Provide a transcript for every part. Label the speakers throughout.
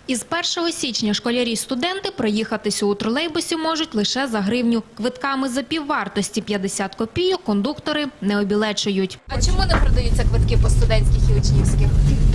Speaker 1: Із 1 січня школярі й студенти проїхатися у тролейбусі можуть лише за гривню. Квитками за піввартості 50 копійок кондуктори не обілечують. А чому не продаються квитки по студентських і учнівських?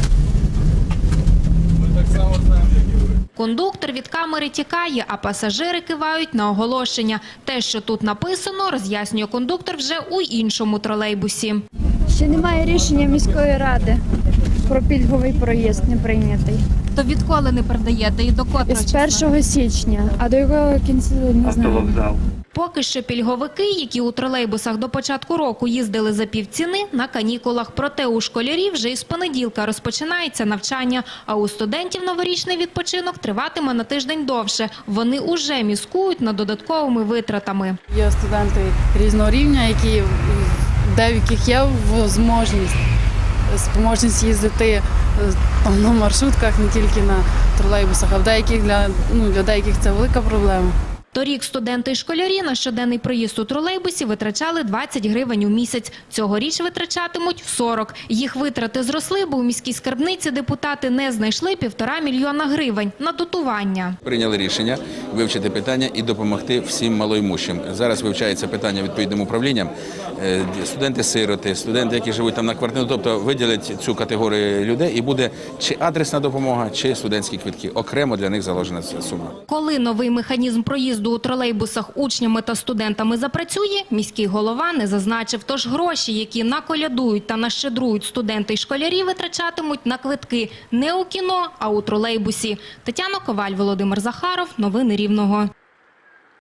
Speaker 2: Ми так само знаємо, як і ви.
Speaker 1: Кондуктор від камери тікає, а пасажири кивають на оголошення. Те, що тут написано, роз'яснює кондуктор вже у іншому тролейбусі.
Speaker 3: Ще немає рішення міської ради про пільговий проїзд, не прийнятий.
Speaker 1: То відколи не продаєте і до котрого
Speaker 3: З 1 січня, а до якого кінця не знаю.
Speaker 1: Поки що пільговики, які у тролейбусах до початку року їздили за півціни, на канікулах. Проте у школярів вже із понеділка розпочинається навчання, а у студентів новорічний відпочинок триватиме на тиждень довше. Вони уже міскують над додатковими витратами.
Speaker 4: Є студенти різного рівня, які деяких є спроможність їздити на маршрутках, не тільки на тролейбусах, а в деяких для деяких це велика проблема.
Speaker 1: Торік студенти і школярі на щоденний проїзд у тролейбусі витрачали 20 гривень у місяць. Цьогоріч витрачатимуть 40. Їх витрати зросли, бо у міській скарбниці депутати не знайшли 1,5 мільйона гривень на дотування.
Speaker 2: Прийняли рішення вивчити питання і допомогти всім малоймущим. Зараз вивчається питання відповідним управлінням. Студенти-сироти, студенти, які живуть там на квартирі, тобто виділять цю категорію людей і буде чи адресна допомога, чи студентські квитки. Окремо для них заложена ця сума.
Speaker 1: Коли новий механізм проїзду у тролейбусах учнями та студентами запрацює, міський голова не зазначив. Тож гроші, які наколядують та нащедрують студенти й школярі, витрачатимуть на квитки не у кіно, а у тролейбусі. Тетяна Коваль, Володимир Захаров. Новини Рівного.